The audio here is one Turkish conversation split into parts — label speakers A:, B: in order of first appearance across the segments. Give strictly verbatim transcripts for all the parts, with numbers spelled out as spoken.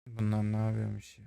A: Bunlar ne yapıyormuş ya?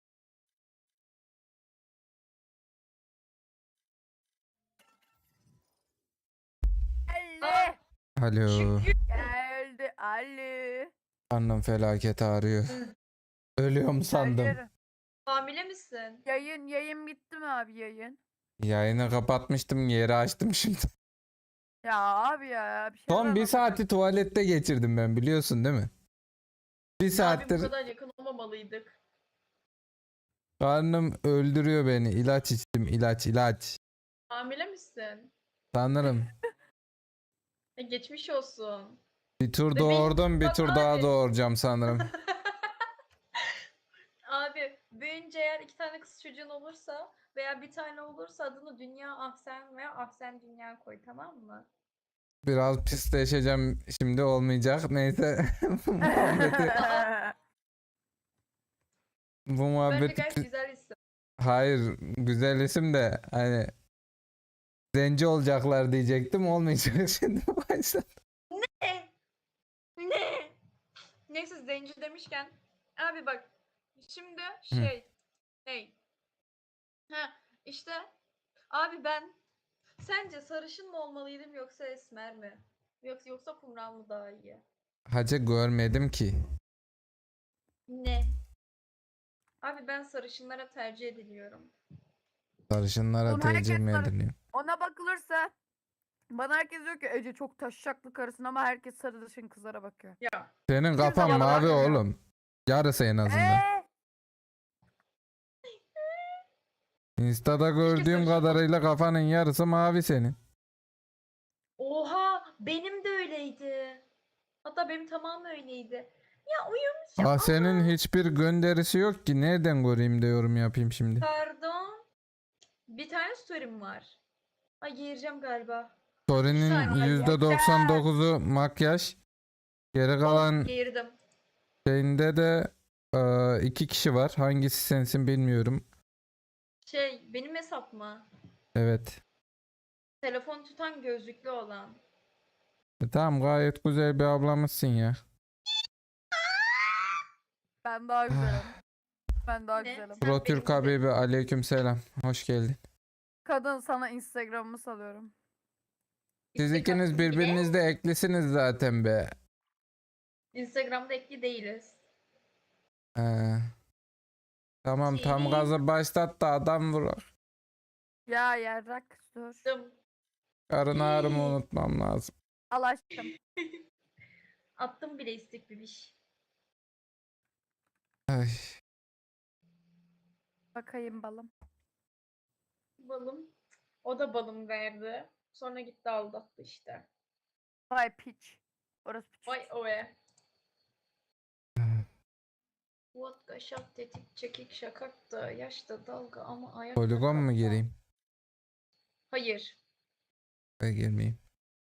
B: Ali
A: Alo.
B: geldi Ali.
A: Annem felaket ağrıyor. Ölüyorum sandım.
B: Hayır.
C: Hamile misin?
B: Yayın yayın bitti mi abi yayın?
A: Yayını kapatmıştım, yeri açtım şimdi.
B: Ya abi ya bir şey
A: Son bir saati tuvalette geçirdim ben, biliyorsun değil mi? Bir
C: Abi bu
A: saattir
C: kadar yakın olmamalıydık.
A: karnım öldürüyor beni. İlaç içtim, ilaç ilaç.
C: Hamile misin?
A: Sanırım.
C: E, geçmiş olsun.
A: Bir tur
C: Bebeğim,
A: doğurdum, bir
C: bak
A: tur daha
C: abi.
A: doğuracağım sanırım.
C: Abi büyüyünce eğer iki tane kız çocuğun olursa veya bir tane olursa adını Dünya Ahsen veya Ahsen Dünya koy, tamam mı?
A: Biraz pisleşeceğim şimdi, olmayacak. Neyse. Bu muhabbeti, bu
C: Bence
A: muhabbeti
C: gayet
A: pi-
C: güzel isim.
A: Hayır, güzel isim de hani zenci olacaklar diyecektim, olmayacak şimdi başladı.
C: Ne? Ne? Neyse, zenci demişken abi bak şimdi şey hey ha işte abi ben sence sarışın mı olmalıydım yoksa esmer mi? Yoksa yoksa kumral mı daha iyi?
A: Hacı görmedim ki.
C: Ne? Abi ben sarışınlara tercih ediliyorum.
A: Sarışınlara
B: Oğlum
A: tercih
B: herkes
A: mi
B: sarı-
A: ediliyor?
B: Ona bakılırsa bana herkes diyor ki Ece çok taşşaklı karısın ama herkes sarışın kızlara bakıyor.
C: Ya
A: Senin kafan
B: bana
A: mavi
B: bakmıyor.
A: oğlum. Yarısı en azından.
B: Eee?
A: Insta'da gördüğüm
C: sarışın
A: kadarıyla kafanın yarısı mavi senin.
C: oha, benim de öyleydi. Hatta benim tamamı öyleydi. Ya uyumuş ya.
A: Aa, senin
C: Aa,
A: hiçbir gönderisi yok ki. Nereden göreyim de yorum yapayım şimdi.
C: pardon. Bir tane story'm var. Ay, geğireceğim galiba.
A: Story'nin
C: saniye.
A: yüzde doksan dokuzu makyaj. Geri kalan
C: Geğirdim.
A: şeyinde de e, iki kişi var. Hangisi sensin bilmiyorum.
C: Şey, benim hesap mı?
A: Evet.
C: Telefon tutan gözlüklü olan.
A: E, tamam, gayet güzel bir ablamızsın ya.
B: Ben daha güzelim. Ben daha
C: Ne?
B: güzelim.
C: Sen
A: Pro
C: benim
A: Türk
C: gibi-
A: Habibi, aleyküm selam. Hoş geldin.
B: Kadın sana Instagram'ımı salıyorum.
A: Siz
C: İstek
A: ikiniz
C: attım bile.
A: birbirinizde eklisiniz zaten be.
C: Instagram'da ekli değiliz.
A: Ee, tamam, tam
C: Seni-
A: gazı başlat da adam vurur.
B: Ya yarrak dur.
C: Dım.
A: Karın ağrımı unutmam lazım.
B: Al aşkım.
C: Attım bile istek bebiş.
A: Ay.
B: Bakayım balım.
C: Balım. O da balım verdi. Sonra gitti aldattı işte.
B: Vay piç. Orası piç.
C: Vay oe. Vodka, şat, tetik, çekik, şakak da, yaşta dalga ama ayakta
A: Poligon mu
C: kalma.
A: gireyim?
C: Hayır.
A: Ben girmeyeyim.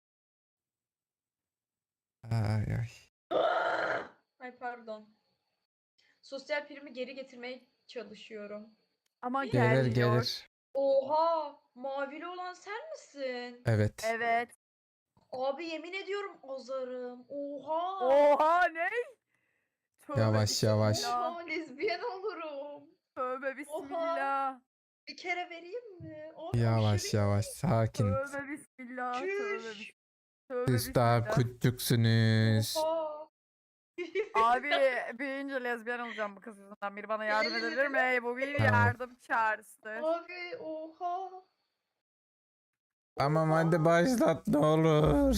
A: Ay ay.
C: Ay pardon. Sosyal primi geri getirmeye çalışıyorum.
B: Ama
A: Gelir
B: gelmiyor.
A: gelir.
C: Oha! Mavili olan sen misin?
A: Evet.
B: Evet.
C: Abi yemin ediyorum azarım. Oha!
B: Oha ne? Tövbe
A: Yavaş, yavaş.
B: bismillah.
C: Oha, lezbiyen olurum.
B: Tövbe bismillah.
C: Bir kere vereyim mi? Abi
A: Yavaş
C: aşırı
A: yavaş, sakin.
B: Tövbe bismillah. Tövbe
C: Çüş.
B: bis- Tövbe
A: Siz daha
B: bismillah.
A: küçüksünüz.
C: Oha!
B: Abi büyüyünce lezbiyen olacağım bu kız yüzünden. Biri bana yardım
C: Evet.
B: edebilir mi? Bu bir
A: Tamam.
B: yardım çağrısıdır.
C: Abi oha!
A: Tamam,
C: Oha!
A: hadi başlat ne olur.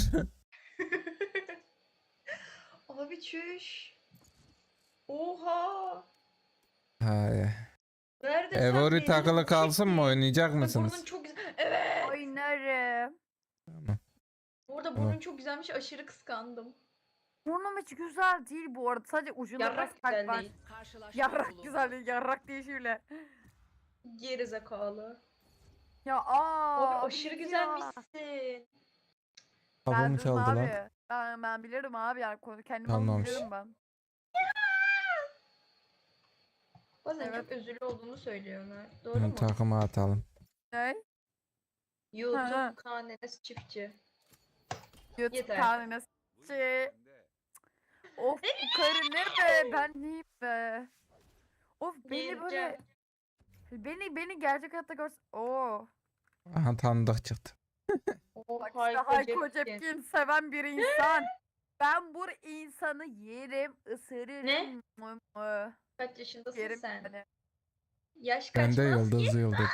C: Abi çüş. Oha!
A: Hay.
C: Nerede sen
A: Evori
C: benim
A: takılı kalsın mı,
C: çektiğin-
A: oynayacak
C: Burnun
A: mısınız?
C: çok güzel. Evet.
B: Oynarım.
A: Tamam.
C: Bu arada
A: Tamam.
C: burnun çok güzelmiş. Aşırı kıskandım.
B: Burnum hiç güzel değil bu arada. Sadece ucunda biraz
C: Yarrak
B: kalp
C: güzel
B: var.
C: değil.
B: Yarrak güzel değil. Yarrak değil şöyle.
C: Geri zekalı.
B: Ya aa.
C: Abi
B: abi
C: aşırı
B: ya.
C: güzelmişsin.
A: Kapı
B: Ben
A: mı
B: dedim
A: çaldı
B: abi.
A: lan?
B: Ben, ben bilirim abi yani konu kendim
A: Çalmamış.
B: bilirim ben.
C: Bazen
B: Evet.
C: çok özürlü olduğunu söylüyorlar. Doğru
A: Bunu
C: mu?
A: takıma atalım.
B: Ne?
C: YouTube
B: Ha.
C: K N S çiftçi.
B: YouTube
C: Yeter.
B: kanalına s***. Of bu karı ne be? Ben neyim be? Of beni böyle
C: Geleceğim.
B: beni beni gerçek hayatta görs. Oo.
A: Aha tanıdık çıktı.
C: Oh,
B: Bak işte
C: Hayko
B: Hayko
C: Cepkin.
B: Cepkin seven bir insan. Ben bu insanı yerim, ısırırım.
C: Ne?
B: Mı mı.
C: Kaç yaşındasın
B: Yerim
C: sen?
B: yani.
C: Yaş
A: Ben
C: kaç
A: de
C: maske?
A: yıldız yıldız.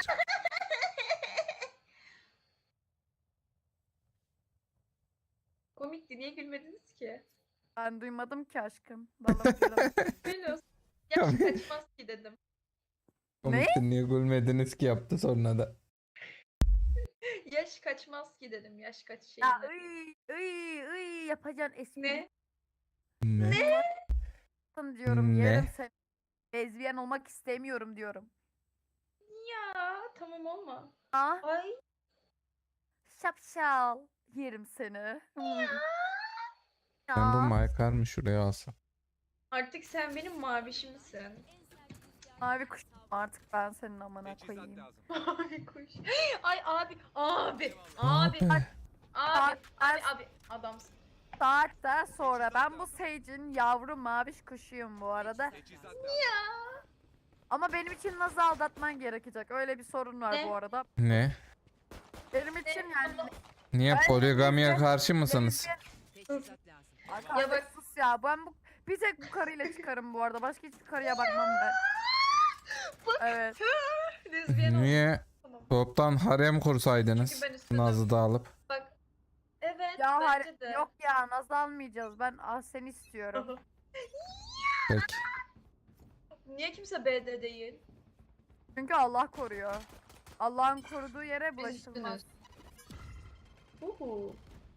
C: Komikti, niye gülmediniz ki?
B: Ben duymadım ki aşkım. Vallahi gülüm.
C: Gülüyorsun. Yaş kaç maske dedim.
A: Komikti, niye gülmediniz ki yaptı sonra da.
C: Yaş kaçmaz ki dedim. Yaş kaç şey.
B: Ya ıy ıy ıy yapacaksın espri.
C: Ne?
A: Ne?
B: Ne? Diyorum
A: Ne?
B: yerim seni. Lezbiyen olmak istemiyorum diyorum.
C: Ya tamam olma.
B: Ah
C: Ay
B: şapşal yerim seni.
A: Ben bu
B: Ya.
A: maykarımı şuraya alsam.
C: artık sen benim mavişimsin.
B: Mavi kuş artık ben senin amına koyayım.
C: Abi kuş. Ay abi abi
A: Abi.
C: abi abi
B: Abi,
C: abi abi adamsın.
B: Saatten sonra ben bu Sage'in yavru maviş kuşuyum bu arada.
C: Ya.
B: Ama benim için nasıl aldatman gerekecek? Öyle bir sorun var
C: Ne?
B: bu arada.
A: Ne?
B: Benim için yani.
A: Niye
B: Ben
A: poligamiye
B: lezbiyen-
A: karşı mısınız?
B: Ay
C: Ya bak-
B: sus ya ben bu bir tek bu karıyla çıkarım bu arada. Başka hiçbir karıya bakmam ben. Evet.
C: Lezbiyen oldum.
A: Niye
C: Tamam.
A: toptan harem kursaydınız?
C: Çünkü ben istedim.
A: Naz'ı da alıp.
C: Bak. Evet
B: Ya
C: bence
B: hayır,
C: de.
B: yok ya Naz almayacağız. Ben ah, seni istiyorum.
A: Peki.
C: Niye kimse B D değil?
B: Çünkü Allah koruyor. Allah'ın koruduğu yere
C: Biz
B: bulaşılmaz.
C: üstünüz. Uhu.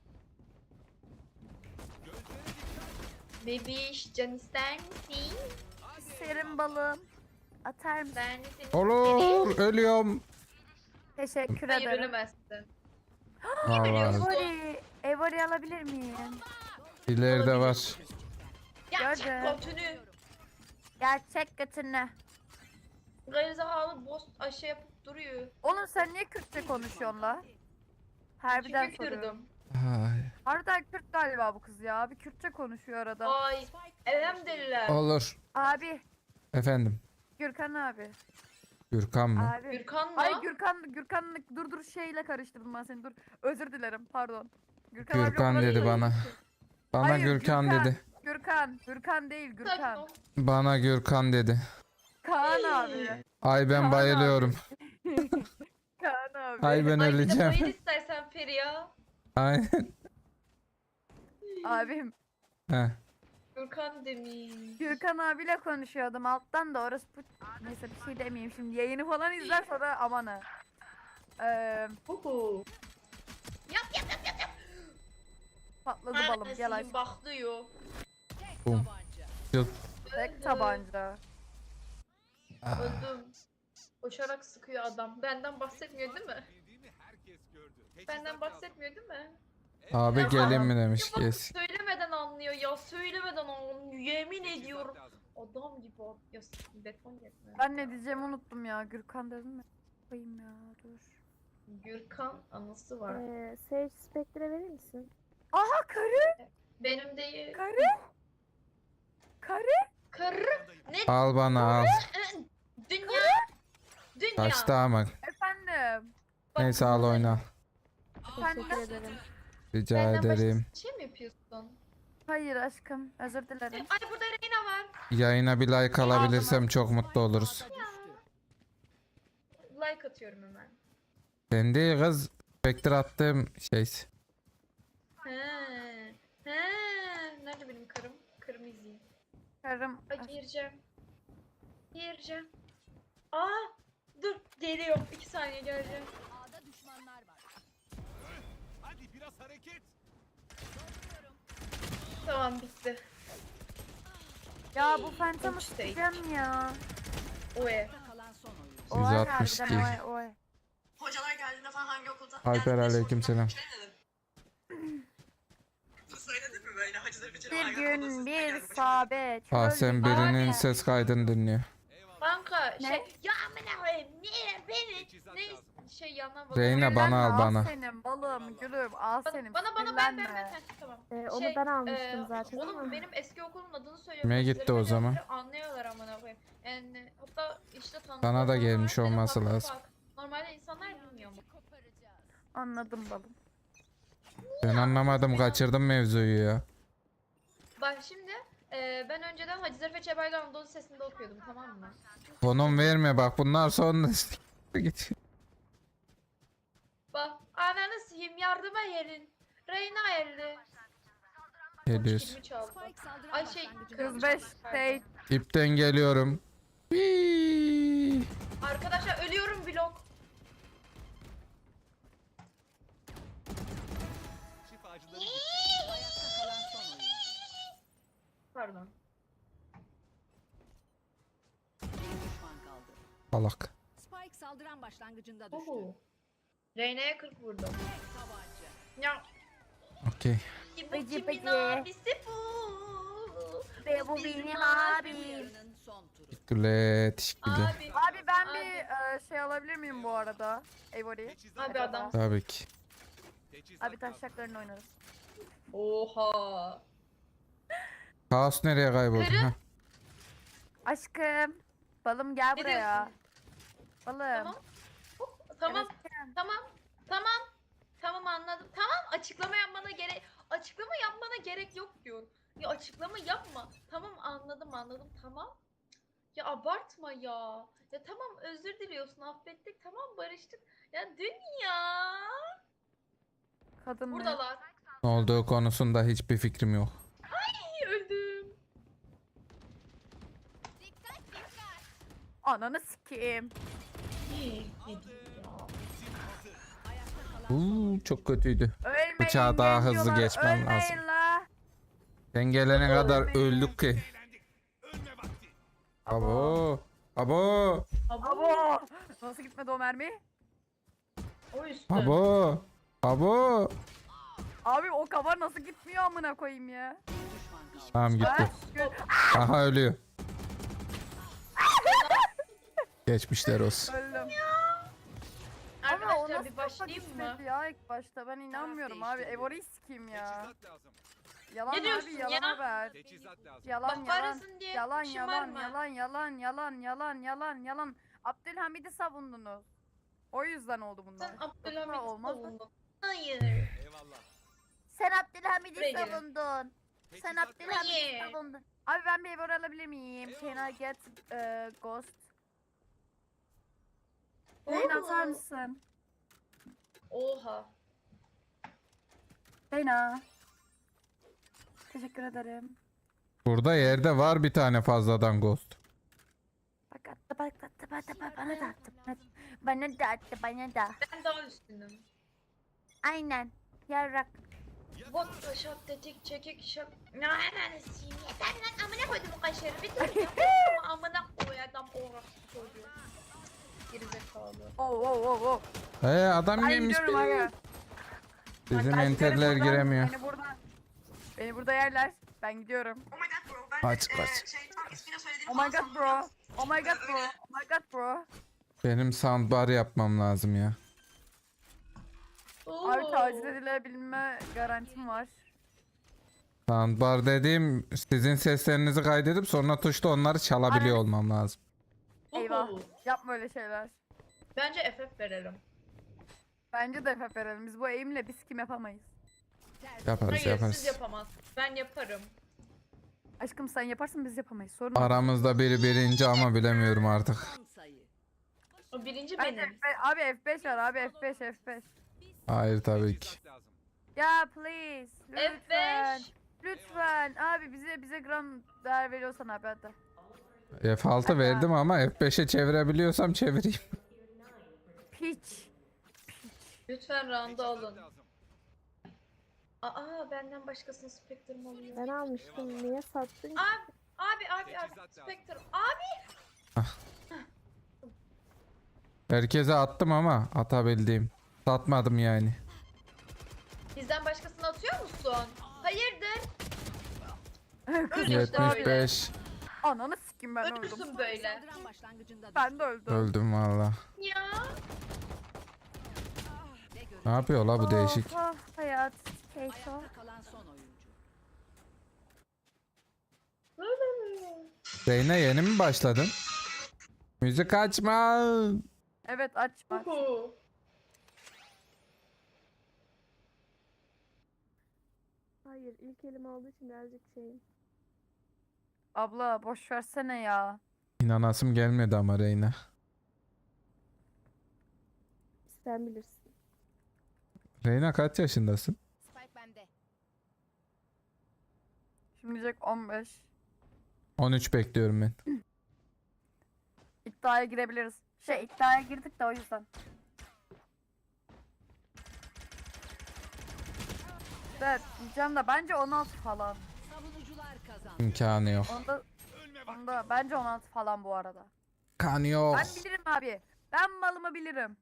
C: Bebiş can ister misin?
B: Serin balım. Atar mısın?
C: Ben de seni
A: Olur, ölüyorum.
B: Teşekkür
C: Hayır
B: ederim.
C: ölemezsin.
A: Aa,
C: ölüyorsun?
A: var.
B: Evori, Evori alabilir miyim?
A: İleride var.
C: Gerçek
B: Gördüm.
C: kötünü.
B: Gerçek götünü.
C: Gerizekalı boz aşı yapıp duruyor.
B: Oğlum sen niye Kürtçe konuşuyorsun la? Harbiden
C: Çünkü
B: soruyorum.
C: kırdım.
A: Ay.
B: Harbiden Kürt galiba bu kız ya. Bir Kürtçe konuşuyor arada.
C: Ay. Elhamdülillah.
A: Olur.
B: Abi.
A: Efendim.
B: Gürkan abi.
A: Gürkan mı?
B: Abi.
C: Gürkan mı?
B: Ay Gürkan, Gürkan dur dur şeyle karıştırdım ben seni dur. Özür dilerim pardon. Gürkan, abi
A: Gürkan
B: o kadar
A: dedi
B: iyi.
A: bana. Bana
B: Hayır,
A: Gürkan
B: Gürkan.
A: dedi.
B: Gürkan, Gürkan değil
C: Sakin
B: Gürkan.
C: ol.
A: Bana Gürkan dedi.
B: Kaan abi.
A: Ay ben
B: Kaan
A: bayılıyorum.
B: Kaan abi.
A: Ay ben
C: Ay bir de
A: öleceğim.
C: bayıl istersen Feriha.
A: Aynen.
B: Abim.
A: Heh.
C: Gürkan demiş.
B: Gürkan abiyle konuşuyordum alttan da orası bu... Neyse bir şey demeyeyim şimdi yayını falan izler sonra aman ha. Ee,
C: Uhu. Yap yap yap yap yap.
B: patladı balım gel aşkım.
C: Baklıyor.
A: Bum. Yok.
B: Tek tabanca.
A: Ah,
C: Öldüm. Koşarak sıkıyor adam. Benden bahsetmiyor değil mi? Benden bahsetmiyor değil mi?
A: Abi
C: Ya
A: gelin mi
C: adam-
A: demiş.
C: Ya bak
A: Yes.
C: söylemeden anlıyor ya. Söylemeden anlıyor. Yemin ediyorum. Adam gibi at. Ya s- beton yetme.
B: Ben ne diyeceğimi unuttum ya. Gürkan dedim mi? Koyayım ya dur.
C: Gürkan anısı var.
D: Ee, Sage Spectre verir misin?
B: Aha karı!
C: Benim değil.
B: Karı! Karı!
C: Karı. Ne?
A: Al bana al.
C: Dünya. Dünya.
A: Kaçtı ama.
B: Efendim.
C: Bak,
A: Neyse al oyna.
B: Efendim?
D: Teşekkür ederim.
A: Rica
C: Benden başka
A: ederim.
C: şey mi yapıyorsun?
B: Hayır aşkım. Özür dilerim.
C: Ay burada Reyna var.
A: Yayına bir like alabilirsem çok mutlu oluruz.
C: Like atıyorum hemen.
A: Ben değil kız. Spectre attığım şey.
C: He. He. Nerede benim karım? Karımı izleyeyim.
B: Karım.
C: Ay gireceğim. Gireceğim. Aa! Dur geliyor. İki saniye geleceğim.
E: A'da düşmanlar var.
F: Hadi biraz hareket.
C: Tamam bitti.
B: Ya bu Phantom'ı
C: Üç tek.
B: sikeceğim ya.
C: Oe.
E: Kalan son oyuncu.
B: Oy
A: yüz altmış
B: harbiden
A: iki.
B: oy oy.
G: Hocalar geldiğinde falan hangi okulda?
A: Alper aleykümselam.
G: Şey dedim. Söyledin mi böyle hacıları bitirin
B: Bir
G: hangi
B: gün
G: okulda
B: bir
G: siz-
B: sahabe.
A: Ah
B: çöl
A: sen
B: gibi-
A: birinin
C: Abi.
A: ses kaydını dinliyor.
C: Banka
B: Ne?
C: şey ya amına koyayım niye beni ne şey yana bak.
A: Reyna
B: Sinirlenme,
A: bana al bana.
B: senin balım gülüm al senin.
C: Bana bana ben ben
B: sinirlenme.
C: ben Heh, tamam.
D: Ee, onu
C: Şey,
D: ben almıştım
C: e,
D: zaten
C: Oğlum
D: ama.
C: benim eski okulumun adını söylüyorum.
A: Kime
C: Hacıları
A: gitti o
C: beni
A: zaman?
C: öldürüp Anlıyorlar amına koyayım. Yani hatta işte tanıdık
A: Sana da
C: olan
A: gelmiş
C: var, benim
A: olması
C: haberim
A: lazım.
C: bak. Normalde insanlar bilmiyor mu?
B: Anladım balım.
A: Ben anlamadım, kaçırdım mevzuyu ya.
C: Bak şimdi e, ben önceden Hacı Zarife Çeberli Anadolu Sesi'nde okuyordum, tamam mı?
A: Konum verme bak, bunlar sonra git.
C: Bak ananı sihim yardıma gelin. Reyna elli.
A: Geliyoruz.
C: Kilimi çaldı.
E: Spike saldıran
C: Ay şey
E: başlangıcında
B: Kız
C: kız
B: beş
C: pardon.
B: şey.
A: İpten geliyorum. Hii.
C: Arkadaşlar ölüyorum blok.
F: Şifacıları gitti.
E: ayakta kalan son oyuncu.
C: Pardon.
E: Bir düşman kaldı.
A: Salak.
E: Spike saldıran başlangıcında düştü.
C: Oho. Reyna'ya kırk vurdum.
E: Tek tabanca.
C: Ya
A: Okey.
C: bu
B: Bıcı
C: kimin
B: bıcı.
C: abisi bu?
B: Ve bu
C: bizim
B: benim
C: abim.
B: abim.
E: Yarının son turu.
A: Teşekkürler. Teşekkürler.
C: Abi.
B: Abi ben
C: Abi.
B: bir e, şey alabilir miyim bu arada? Avery.
F: Teçhizat
C: Abi
F: lazım.
C: adam.
A: Tabii ki.
F: Teçhizat
B: Abi
F: lazım.
B: taşaklarını oynarız.
C: Oha.
A: Kaos nereye kayboldu?
C: Kırı.
A: Heh.
B: Aşkım. Balım gel
C: Ne
B: buraya.
C: diyorsun?
B: Balım.
C: Tamam. Hop, Tamam.
B: Evet.
C: Tamam. Tamam. Tamam anladım. Tamam açıklama yapmana gerek açıklama yapmana gerek yok diyorum. Ya açıklama yapma. Tamam anladım anladım. Tamam. Ya abartma ya. Ya tamam özür diliyorsun. Affettik. Tamam barıştık. Ya dünya.
B: Kadın mı?
C: Buradalar.
A: Ne olduğu konusunda hiçbir fikrim yok.
C: Ay, öldüm.
B: Ananı sikeyim.
E: Ayakta kalan
A: Uuu çok kötüydü.
B: Ölmeyin
A: Bıçağı daha hızlı
B: gencolar,
A: geçmem
B: ölmeyin
A: lazım.
B: la.
A: Sen gelene kadar öldük ki.
F: Eğlendik. Ölme vakti.
A: Abo. Abo.
B: Abo. Nasıl gitmedi o mermi?
C: O üstü.
A: Abo. Abo.
B: Abi o kafa nasıl gitmiyor amına koyayım ya.
E: bir düşman kaldı.
A: Tamam gitti.
B: Ben
A: Aha ölüyor. Geçmişler olsun.
B: öldüm. Ama o
C: Arkadaşlar
B: nasıl
C: bir
B: kafa
C: başlayayım mı?
B: gitmedi ya ilk başta ben inanmıyorum abi.
E: değiştirdi.
B: Evory'i sikeyim ya.
F: Teçhizat lazım.
B: Yalan
C: Ne diyorsun
B: abi yalan
C: ya?
B: haber.
F: Teçhizat lazım.
B: Yalan
C: Bak
B: yalan.
C: parasın diye
B: Yalan yalan
C: şımarma.
B: yalan yalan yalan yalan yalan yalan. Abdülhamid'i savundunuz. O yüzden oldu bunlar.
C: Sen
B: Yoksa
C: Abdülhamit'i
B: olmaz mı?
C: savundun. Hayır.
F: Eyvallah.
B: Sen Abdülhamid'i
C: Buraya gelin.
B: savundun. Sen
F: Teçhizat
B: Abdülhamid'i
C: Hayır.
B: savundun. Abi ben bir Evor alabilir miyim? Can I get uh, ghost? Beyna atar mısın?
C: Oha.
B: Beyna. Teşekkür ederim.
A: Burada yerde var bir tane fazladan ghost.
B: Bak attı bak attı bak attı bak, bana da attı. Bana- Bana da attı bana da.
C: Ben daha üstünüm.
B: Aynen. Yarrak.
C: Bot taşak tetik çekik şak. Ne anasıyım yeter lan amına koydum o kaşarı bir dur ya. Ama amına koy adam orası çocuğu. Gerizekalı.
B: Oh oh oh oh.
A: Ee adam
B: Ben
A: gelmiş
B: gidiyorum
A: beni.
B: aga.
A: Bizim
B: Ben gidiyorum
A: enterler
B: buradan,
A: giremiyor.
B: Beni burada. Beni burada yerler. Ben gidiyorum.
G: Oh my god bro. Ben
A: Kaç,
G: de,
A: kaç.
G: e, şey tam ismini söylediğim
B: Oh my god bro. Oh my god bro. Oh my god bro.
A: Benim soundbar yapmam lazım ya.
C: Oo.
B: Abi taciz edilebilme garantim var.
A: Soundbar dediğim sizin seslerinizi kaydedip sonra tuşta onları çalabiliyor
B: Aynen.
A: olmam lazım.
B: Eyvah.
C: Oo.
B: Yapma öyle şeyler.
C: Bence F F verelim.
B: Bence de F F verelim. Biz bu eğimle biz kim yapamayız.
A: Yaparız
C: Hayır
A: yaparız.
C: siz yapamazsınız. Ben yaparım.
B: Aşkım sen yaparsın biz yapamayız. Sorun yok.
A: Aramızda biri birinci ama bilemiyorum artık.
E: Son sayı.
C: O birinci
B: Bence
C: benim.
B: F beş, abi F beş var abi F beş F beş.
A: Hayır tabii ki.
F: Teçhizat lazım.
B: Ya please.
C: F
B: Lütfen.
C: beş.
B: Lütfen. Abi bize bize gram değer veriyorsan abi hadi.
A: F altı verdim ama F beşe çevirebiliyorsam çevireyim.
B: Piç.
C: Lütfen round'u
F: Teçhizat
C: alın.
F: lazım.
C: Aa benden başkasının Spectre'ım oluyor.
D: Ben almıştım. Niye sattın? ki?
C: Abi abi abi abi.
F: Teçhizat lazım.
C: Spectre. Abi
A: Herkese attım ama atabildiğim. Satmadım yani.
C: bizden başkasını atıyor musun? Hayırdır? Öl işte
A: yetmiş
C: öyle.
A: beş.
B: Ananı sikim ben öldüm.
C: Ölürsün böyle.
E: Saldıran başlangıcında düştü.
B: Ben de öldüm.
A: Öldüm valla.
C: Ya.
E: Ne görecek?
A: Ne yapıyor la bu değişik?
B: Oh, oh, hayat. Keyfo.
E: Ayakta kalan son oyuncu.
A: Zeyne yeni mi başladın? Müzik açma.
B: Evet aç bak.
C: Uhu.
D: Hayır ilk elim olduğu için birazcık şeyim.
B: Abla boş versene ya.
A: İnanasım gelmedi ama Reyna.
D: Sen bilirsin.
A: Reyna kaç yaşındasın?
E: Spike bende.
B: Şimdi diyecek on beş.
A: on üç bekliyorum ben.
B: İddiaya girebiliriz. Şey iddiaya girdik de o yüzden. Evet diyeceğim de bence on altı falan.
E: Savunucular kazandı.
A: İmkanı yok.
B: Onda,
F: Ölme vakti.
B: onda bence on altı falan bu arada.
A: İmkanı yok.
B: Ben bilirim abi. Ben malımı bilirim.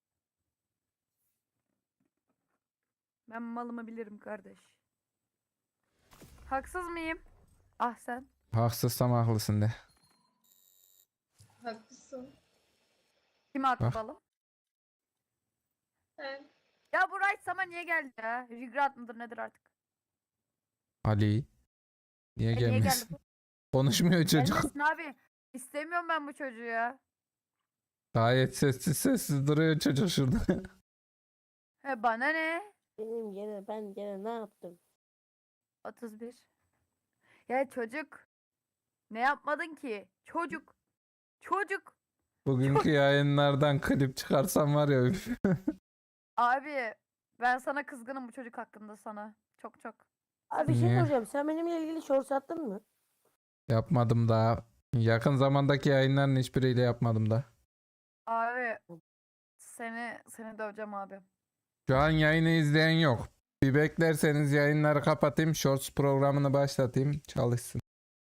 B: Ben malımı bilirim kardeş. Haksız mıyım? Ah sen.
A: Haksızsam haklısın de.
C: Haklısın.
B: Kim haklı
A: Bak.
B: balım?
C: Sen.
B: Ya bu Rice sama niye geldi ya? Regret mıdır nedir artık?
A: Ali. Niye
B: E, niye geldi
A: gelmesin?
B: bu?
A: Konuşmuyor çocuk.
B: Gelmesin abi. İstemiyorum ben bu çocuğu ya.
A: Gayet sessiz sessiz duruyor çocuk şurada.
B: He bana ne?
D: Benim gene ben gene ne yaptım?
B: otuz bir. Ya çocuk. Ne yapmadın ki? Çocuk. Çocuk.
A: Bugünkü yayınlardan klip çıkarsam var ya üf.
B: Abi ben sana kızgınım bu çocuk hakkında sana. Çok çok.
D: Abi bir şey
A: Niye?
D: soracağım. Sen benimle ilgili short sattın mı?
A: Yapmadım daha. Yakın zamandaki yayınların hiçbiriyle yapmadım da.
B: Abi seni seni döveceğim abi.
A: Şu an yayını izleyen yok. Bir beklerseniz yayınları kapatayım. Shorts programını başlatayım. Çalışsın.